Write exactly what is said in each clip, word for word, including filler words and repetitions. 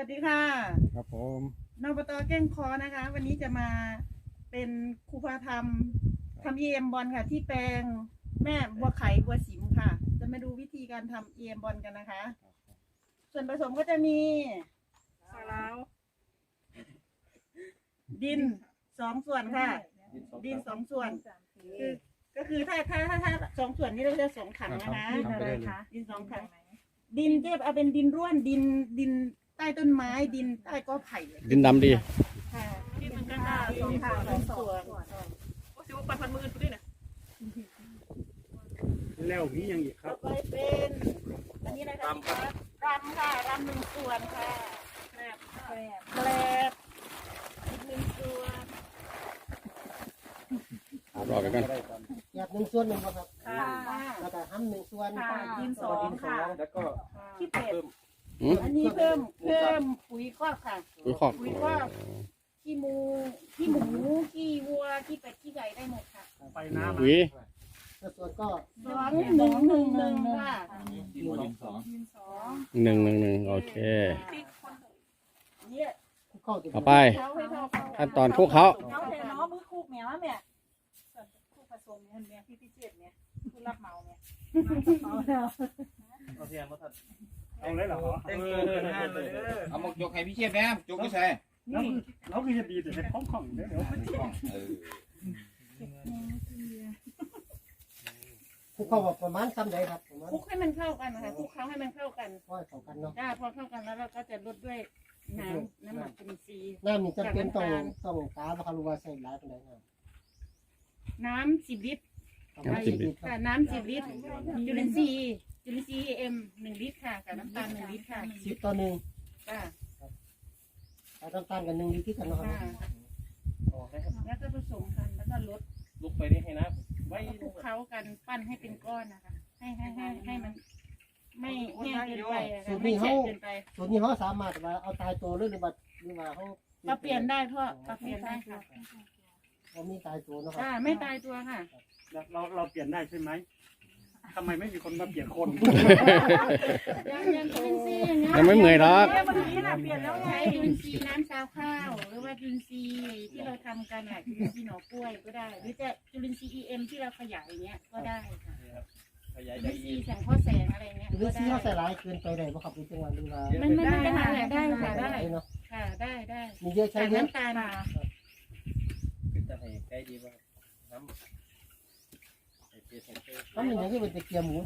วัสดีค่ะครับผมนปต.แก้งคอนะคะวันนี้จะมาเป็นครูพาทำทำเอ็มบอลค่ะที่แปลงแม่บัวไข่บัวสิมค่ะจะมาดูวิธีการทำเอ็มบอลกันนะคะส่วนผสมก็จะมีสาลาวดินสองส่วนค่ะดินสองส่วนคือก็คือถ้าถ้าถ้าถ้าสองส่วนนี้เราจะสองถังนะคะดินสองถังดินจะเอาเป็นดินร่วนดินดินใต้ต้นไม้ดินใต้กอไผ่ดินดำดีค่ะดินมันก็สองถังสองส่วนโอ้สิวปันพันมือด้วยนะแล้วมีอย่างอีกครับต่อไปเป็นอันนี้อะไรคะรำค่ะรำหนึ่งส่วนค่ะแกลบแกลบอีกหนึ่งส่วนรอกันกันอยากหนึ่งส่วนหนึ่งครับค่ะแล้วก็ห้ำหนึ่งส่วนดินสองค่ะแล้วก็ขี้เป็ดอันนี้เพิ่มเพิ่มปุ๋ยคอกค่ะปุ๋ยคอกปุ๋ยคอกขี้หมูขี้หมูขี้วัวขี้เป็ดขี้ไก่ได้หมดค่ะไปน้ำปุ๋ยส่วนก็สองหนึ่งหนึ่งหนึ่งค่ะหนึ่งหนึ่งหนึ่งโอเคต่อไปขั้นตอนคลุกเขาเขาเทน้อมือคลุกแมวเนี่ยคลุกผสมเนี่ยเนี่ยพี่พิเศษเนี่ยผู้รับเหมาเนี่ยเมาแล้วเอาเทียนมาทัดเอาเลยเหรอเต็มเลยเอาหมกจกให้พี่เชฟนะจกก็ใช่แล้วแล้วคือจะดีแต่ในของของเดี๋ยวเดี๋ยวคลุกเข้าประมาณซ้ำใดครับคลุกให้มันเข้ากันนะคะคลุกเขาให้มันเข้ากันพอเข้ากันเนาะได้พอเข้ากันแล้วเราก็จะลดด้วยน้ำน้ำหมักจุลินทรีย์น้ำนี่จำเป็นต้องต้องกาบคารุวาใส่หลายเป็นไรครับน้ำสิบลิตรน้ำสิบลิตรค่ะน้ำสิบลิตรจุลินทรีย์จุลินทรีย์เอ็มหนึ่งลิตรค่ะกับน้ำตาลหนึ่งลิตรค่ะสิบต่อหนึ่งค่ะเอาน้ำตาลกันหนึ่งลิตรที่กันเนาะแล้วก็ผสมกันแล้วก็ลดลุกไปได้ให้นะไว้คลุกเคล้ากันปั้นให้เป็นก้อนนะคะให้ให้ให้ให้มันไม่แห้งเกินไปไม่แฉะเกินไปส่วนนี้เขาสามารถว่าเอาตายตัวหรือว่าหรือว่าเขาปรับเปลี่ยนได้พ่อปรับเปลี่ยนได้ค่ะเขามีตายตัวเนาะค่ะไม่ตายตัวค่ะเราเราเปลี่ยนได้ใช่ไหมทำไมไม่มีคนมาเปลี่ยนคนยังยังจุลินทรีย์อย่างเงี้ยยังไม่เหนื่อยหรอกใช้จุลินทรีย์น้ำซาวข้าวหรือว่าจุลินทรีย์ที่เราทำกันอ่ะจุลินทรีย์หน่อกล้วยก็ได้หรือจะจุลินทรีย์ อี เอ็ม ที่เราขยายเงี้ยก็ได้ค่ะจุลินทรีย์แสงข้อแสงอะไรเงี้ยจุลินทรีย์เขาใส่หลายเกินไปได้เพราะเขาเป็นจังหวะหรือว่ามันมันไม่เป็นไรได้ค่ะได้ค่ะได้ได้มีเยอะใช้เยอะน้ำตาลจะให้ใกล้ดีป่ะน้ำน้ำมันยังก็เป็นตะเกียบหมู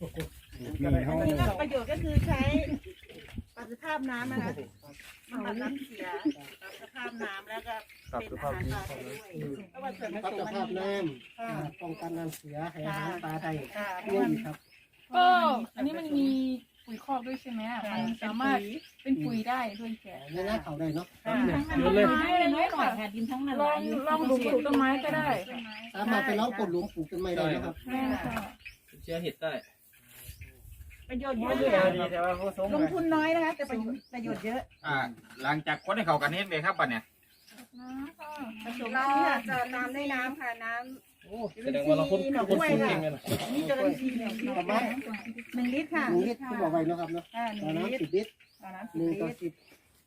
ประโยชน์ก็คือใช้ปรับสภาพน้ำนะคะปรับน้ำเสียปรับสภาพน้ำแล้วก็เป็นอาหารปลาได้ด้วยเพราะว่าส่วนผสมมันมีน้ำป้องกันน้ำเสียให้อาหารปลาได้เยอะครับก็อันนี้มันมีปุ๋ยคอกด้วยใช่ไหมมันสามารถเป็นปุ๋ยได้ด้วยแค่ในหน้าเขาได้เนาะเยอะเลยน้อยหน่อยค่ะดินทั้งนั้นลองลองดูปลูกต้นไม้ก็ได้สามารถไปล้อมกดหลุมปลูกต้นไม้ได้นะครับเชื่อเห็ดได้ประโยชน์เยอะลงทุนน้อยนะคะแต่ประโยชน์ประโยชน์เยอะอ่าหลังจากคนให้เขากันเฮ็ดเลยครับบัดเนี่ยผสมเราจะน้ำด้วยน้ำค่ะน้ำแสดงว่าเราคนคนเก่งกันนี่จุลินทรีย์เนี่ยประมาณหนึ่งลิตรค่ะหนึ่งลิตรที่บอกไว้นะครับเนาะน้ำสิบลิตรหนึ่งต่อสิบ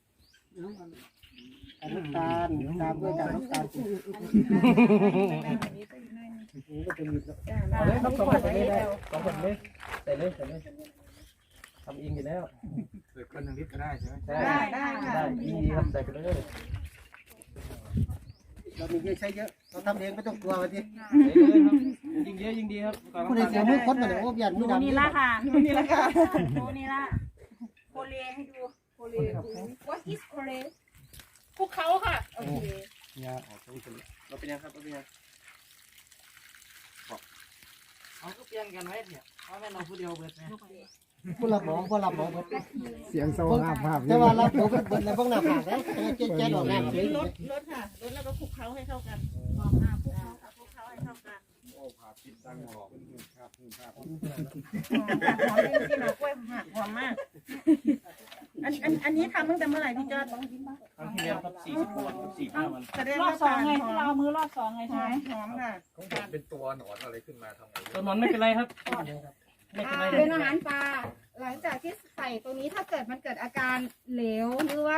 น้ำตาลตามด้วยจากน้ำตาลนี่ก็จะมีเอาเลยครับสองคนนี้ได้สองคนนี้ใส่เลยใส่เลยทำเองอยู่แล้วเกิดคนหนึ่งลิตรก็ได้ใช่ไหมได้ได้ได้ดีครับใส่ไปเลยเรามีเยอะใช้เยอะเราทำเองไม่ต้องกลัววันนี้ยิ่งเยอะยิ่งดีครับผู้ใดเสียมือคนมาเนี่ยโอ้ยันมือดำนี่ละค่ะนี่ละค่ะนี่ละโคเลให้ดูโคเล what is โคเลพวกเขาค่ะโอเคเนี่ยออกตรงนี้เราเป็นยังครับเราเป็นยังเขาก็เปลี่ยนกันไว้เนี่ยเพราะแม่เราผู้เดียวเบิดไงผู้รับหมอผู้รับหมอเบิดเสียงโซ่ห้าภาพแต่ว่ารับหมอเบิดเบิดแล้วพวกหน้าผากนะเจ๊เจ๊ดอกหน้าเลยลดลดค่ะลดแล้วก็คลุกเขาให้เข้ากันหอมมากคลุกเขาค่ะคลุกเขาให้เข้ากันโอ้ผ่าพิษตั้งหอมครับภาพหอมที่เรากล้วยหักหอมมากอันอันอันนี้ทำตั้งแต่เมื่อไหร่พี่จอดครั้งที่แล้วครับสี่สิบวันสี่ห้าวันรอบสองไงที่เรามือรอบสองไงใช่ไหมหอมค่ะเขาเป็นตัวหนอนอะไรขึ้นมาทำไงตัวหนอนไม่เป็นไรครับเป็นอาหารปลาหลังจากที่ใส่ตรงนี้ถ้าเกิดมันเกิดอาการเหลวหรือว่า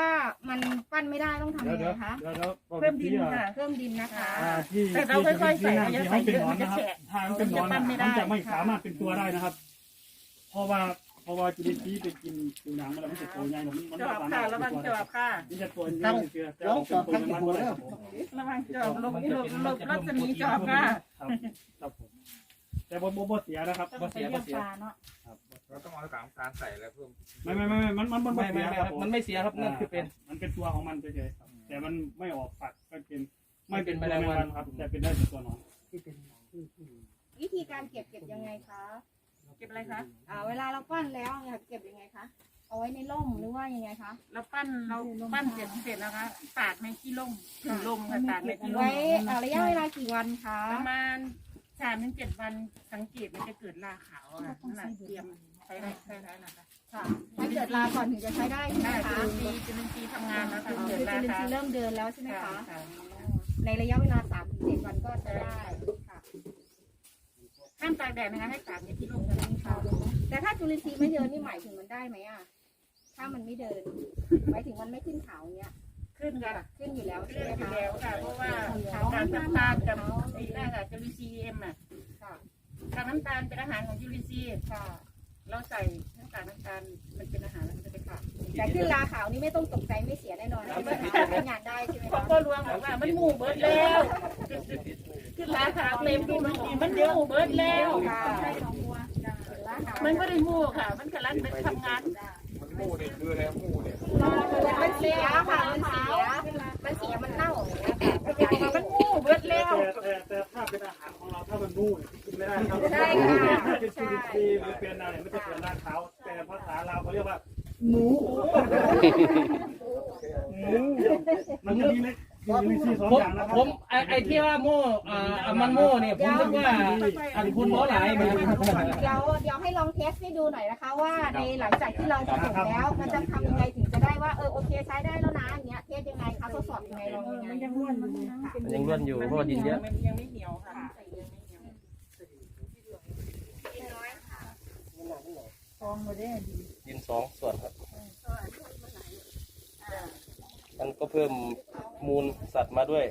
เดี๋ยวเดี๋ยวเดี๋ยวเดี๋ยวเพิ่มดินค่ะเพิ่มดินนะคะอ่าที่แต่เราค่อยๆใส่ที่อย่าให้ใส่เป็นเยหนอะอนมันจะนะครับแฉะถ้ามันเป็นหนอนมันจะปั้นไม่ได้มันจะไม่สามารถเป็นตัวได้นะครับ เพราะว่าเพราะว่าจุลินทรีย์ไปกินผิวหนังมันแล้วมันจะโตใหญ่หน่อยมันจอบค่ะระวังจอบค่ะมันจะตัวใหญ่เชื่อแต่เป็นตัวมันก็ได้ครับผมระวังจอบลบลบลบรัศมีจอบค่ะครับครับผมแต่บนบนเสียนะครับต้องไปเลี้ยงปลาเนาะเราต้องเอากากน้ำตาลใส่แล้วเพิ่มไม่ไม่ไม่มันมันมันไม่เสีไม่ยไม่คครัรับบ ผมมันไม่เสียครับนั่นคือเป็นมันเป็นตัวของมันเฉยๆครับแต่มันไม่ออกฝักก็เป็นไม่เป็นไม่แมเป็นลงแมลงวัวันนครับแต่เป็นได้เป็นตัวหนอนที่เป็นที่ที่วิธีการเก็บเก็บยังไงคะเก็บอะไรคะอ่าเวลาเราปั้นแล้วเนี่ยเก็บยังไงคะ เอาไว้ในร่มหรือว่ายังไงคะเราปั้นเราปั้นเสร็จเสร็จแล้วคะตากในที่ร่มถึงลมค่ะตากในที่ร่มไว้อ่าระยะเวลากี่วันคะประมาณสามถึงเจ็ดวันสังเกตมันจะเกิดราขาวอะค่ะนั่นแหละเตรียมใช้ได้ใช้ได้แล้วค่ะค่ะให้เกิดลาก่อนถึงจะใช้ได้ใช่ไหมได้คะจุลินทรีย์จุลินทรีย์ทำงานแล้วค่ะคือเกิดจุราลินขาวทรีย์เริ่มเดินแล้วใช่ไหมค่ะคะค่ะในระยะเวลาสามถึงเจ็ดวันก็จะได้ค่ะห้ามตากแดดนะคะให้ตากในที่ร่มเท่านั้นค่ะแต่ถ้าจุลินทรีย์ไม่เดินนี่หมายถึงมันได้ไหมอ่ะ ถ้ามันไม่เดินหมายถึงมันไม่ขึ้นเขาเนี้ยขึ้นค่ะขึ้นอยู่แล้วใช่เรื่ไหอมงอยู่คะแล้วค่ะเพราะว่าเขาการน้ำน้ำตาตาลลกักับบไอ้นั่นค่ะจุลินทรีย์เอ็มอ่ะค่ะกากน้ำตาลเป็นอาหารของจุลินทรีย์ค่ะเราใส่น้ำตาลน้ำตาลมันเป็นอาหารแล้วมันจะไปขาดแต่ขึ้นลาขาวนี่ไม่ต้องตกใจไม่เสียแน่นอนนะว่าใช้งานได้ใช่ไหมพอคะก็รวมบอกว่ามันหมู่เบิร์ดแล้วขึ้นราคาเต็มที่มันมันเยอะหมู่เบิร์ดแล้วค่ะมันก็ได้หมู่ค่ะ มันกำลังไปทำงานมันหมูเนี่ยคืออะไรหมูเนี่ยมันเสียค่ะมันเสียมันเสียมันเน่าอย่างเงี้ยค่ะมันหมู่เบิร์ดแล้วแต่แต่แต่ถ้าเป็นอาหารของเราถ้ามันนู่นกินไม่ได้ครับใช่ค่ะถ้าเป็นจุลินทรีย์หรือเป็นอะไรมันจะเป็นราขาวแต่ภาษาเราเขาเรียกว่าหมูหมูมันจะมีเล็กจุลินทรีย์สองผมอย่างนะครัผมไอไอที่ว่าโม่อ่ามันโม่เนี่ยผมคิดว่าอันคุณหมอหลายมันเดี๋ยวเดี๋ยวให้ลองเทสให้ดูหน่อยนะคะ ว่าในหลังจากที่เราผสมแล้วมันจะทำยังไงถึงจะได้ว่าเออโอเคใช้ได้แล้วนะอย่างเงี้ยเทสยังไงคะทดสอบยังไงลองยังไงมันยังร่วนอยู่มันยังร่วนอยู่เพราะว่าดินเยอะมันยังไม่เหนียวค่ะดินสองส่วนครับมันก็เพิ่มมูลสัตว์มาด้วย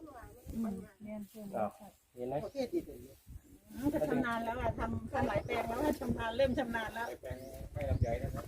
อ้าวเห็นไหมประเทศที่เป็นจะชำนาญแล้วอะทำทำหลายแปลงแล้วอะชำนาญเริ่มชำนาญแล้วไม่ลำใหญ่นะครับ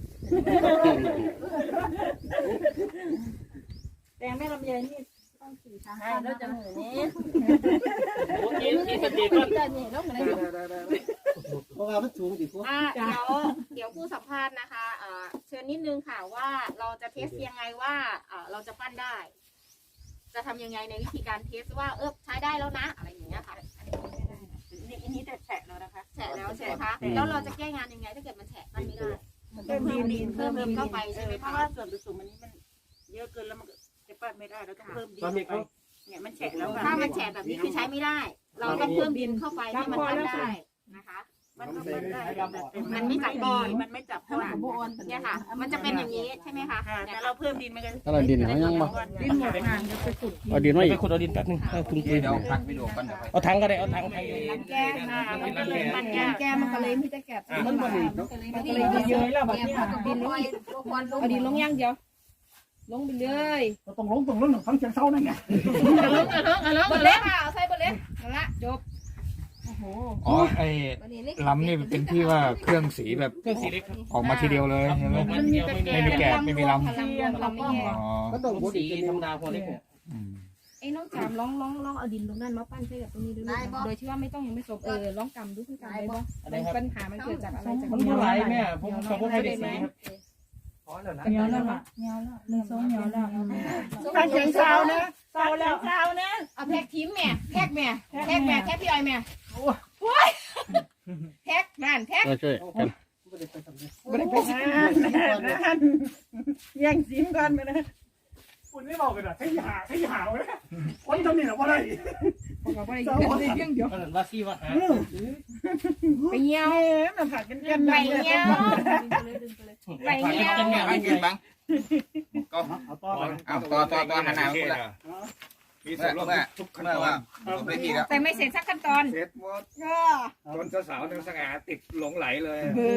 แตงแม่ลำไยนี่ต้องสี่ครั้งใช่แล้วจะหมูนี้โอเคที่สติก็จะเนี่ยแล้วเหมือนได้ได้ได้เพราะว่ามันสูงดิพวกอ่าเดี๋ยวเดี๋ยวผู้สัมภาษณ์นะคะอ่าเชิญนิดนึงค่ะว่าเราจะเทสยังไงว่าอ่าเราจะปั้นได้ จะทำยังไงในวิธีการเทสว่าเออใช้ได้แล้วนะอะไรอย่างเงี้ยค่ะนี่อันนี้แต่แฉะแล้วนะคะแฉะแล้วใช่ไหมคะแล้วเราจะแก้งานยังไงถ้าเกิดมันแฉะปั้นไม่ได้เพิ่มดินเพิ่มดินเข้าไปใช่ไหมเพคะราะว่าส่วนผสมอันนี้มันเยอะเกินแล้วมันจะปั้นไม่ได้เราต้องเพิ่มดินเข้าไปเนี่ยมันแฉะแล้วถ้ามันแฉะแบบนี้คือใช้ไม่ได้ เราต้องเพิ่มดินเข้าไปให้มันปั้นได้นะคะมันก็ปั้นได้มันไม่จับก้อนมันไม่จับก้อนเนี่ยค่ะ มันจะเป็นอย่างนี้ใช่ไหมคะค่ะแต่เราเพิ่มดินมันก็อะไรดินเขายังบ่ดินหมดค่ะจะไปขุดเอาดินมาไปอีกขุดเอาดินแป๊บนึงเอาคุณคุยเดี๋ยวพักวิดีโอกันเดี๋ยวไปเอาถังก็ได้เอาถังไทยแก้ค่ะมันก็เลยมันแก่แก้มันก็เลยมีแต่แก้มันบ่ดีมันก็เลยเยอะแล้วแบบนี้ดินลงเอาดินลงย่างเดียวลงไปเลยเราต้องลงตรงนั้นหนึ่งฟังเสียงเศร้านั่นไงบนเล็กค่ะเอาใส่บนเล็กนั่นละจบอ๋อไอ้ลำนี่เป็นที่ว่าเครื่องสีแบบเครื่องสีเล็กครับออกมาทีเดียวเลยใช่ไหมมันมีแต่ไม่มีแกะไม่มีลำลำรวมลำไม่แย่อ๋อก็ต้องบดสีอีกธรรมดาพอเล็กเนี่ยอืมไอ้น้องจามลองลองลองเอาดินตรงนั้นมาปั้นใส่กับตรงนี้ดูโดยที่ว่าไม่ต้องยังไม่สมเออลองกำดูคือกำได้บ่ปัญหามันเกิดจากอะไรจากมันบ่หลายแม่ผมเขาบ่ให้เด็กสีครับเหนียวแล้วอ่ะเหนียวแล้วหนึ่งสองเหนียวแล้วฟังเสียงเศร้านะเศร้าแล้วเศร้านะเอาแพ็กทิมแม่แพ็กแม่แพ็กแม่แพ็กพี่อ้อยแม่โอ้ยแพ็กนั่นแพ็กก็ช่วยกันไม่ได้ไปทำเลยไม่ได้ไปหาแย่งซิมก่อนไปนะคุณไม่บอกกันอ่ะใช้หาใช้หาเลยคนทำนี่หรอว่าอะไรผมก็ไม่ได้ยินเลยเพียงเดียวก็นั่นว่าซี่ว่าหาไปเงี้ยวเอ๊ะมันผัดกันกันไปเลยเงี้ยวไปเงี้ยวไม่ยืนบังก็เอาต่อไปเอาต่อต่อต่อหันหน้าคุณละมีส่วนร่วมทุกขั้นตอนทุกวิธีแล้วแต่ไม่เสร็จสักขั้นตอนเสร็จหมดจนสาวๆนึงสง่าติดหลงไหลเลย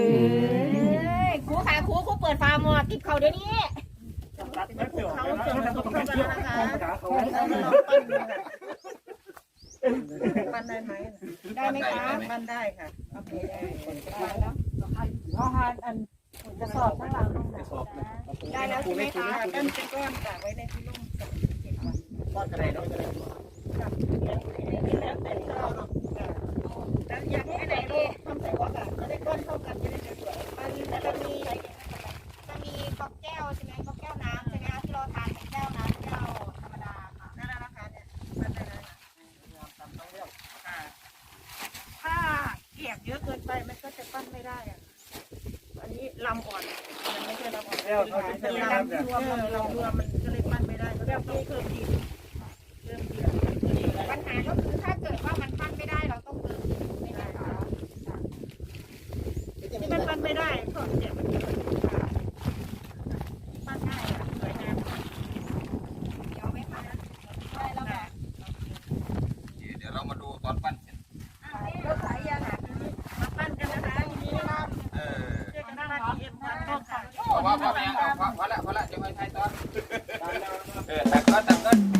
เฮ้ยครูค่ะครูครูเปิดฟาร์มอติดเขาเดี๋ยวนี้ตัดไม่เกี่ยวเขานะส่วนผผสมเข้ากันแล้วนะคะขาเขาเรามาลองปั้นดูค่ะปั้นได้ไหมได้ไหมคะปั้นได้ค่ะโอเคได้แล้วเอาหานอันจะสอบข้างหลังไปสอบนะได้แล้วใช่ไหมคะปั้นเป็นก้อนฝากไว้ในที่ร่มสักเจ็ดวันก้อนกระไรเนาะกระไรแล้วแต่เราเนาะแล้วอยากให้ไหนเราทำใส่วอค่ะจะได้ก้อนเท่ากันจะได้สวยๆมันจะมีจะมีก๊อกแก้วใช่ไหมก๊อกแก้วน้ำใช่ไหมคะที่เราทานเป็นแก้วน้ำแก้วธรรมดาค่ะนั่นแหละนะคะเนี่ยปั้นได้เลยค่ะถ้าเกียบเยอะเกินไปมันก็จะปั้นไม่ได้อ่ะอันนี้ลำอ่อนมันไม่ใช่ลำอ่อนเป็นลำรวมมันลำรวมมันก็เลยปั้นไม่ได้ก็ต้องเพิ่มดินเริ่มเดือดปัญหาก็คือถ้าเกิดว่ามันปั้นไม่ได้เราต้องเติมไม่ได้ค่ะที่มันปั้นไม่ได้ก็เดี๋ยวมันจะปั้นง่ายอะสวยงามเดี๋ยวไม่ทันนะได้แล้วค่ะเดี๋ยวเรามาดูตอนปั้นเสร็จแล้วสายยังอ่ะมาปั้นกันนะคะทีนี้นะครับเออเจอกันนะคะทีเอ็มปั้นกันค่ะพอพอพอพอพอพอละพอละเดี๋ยวไปถ่ายตอนเออตัดก่อนตัดก่อน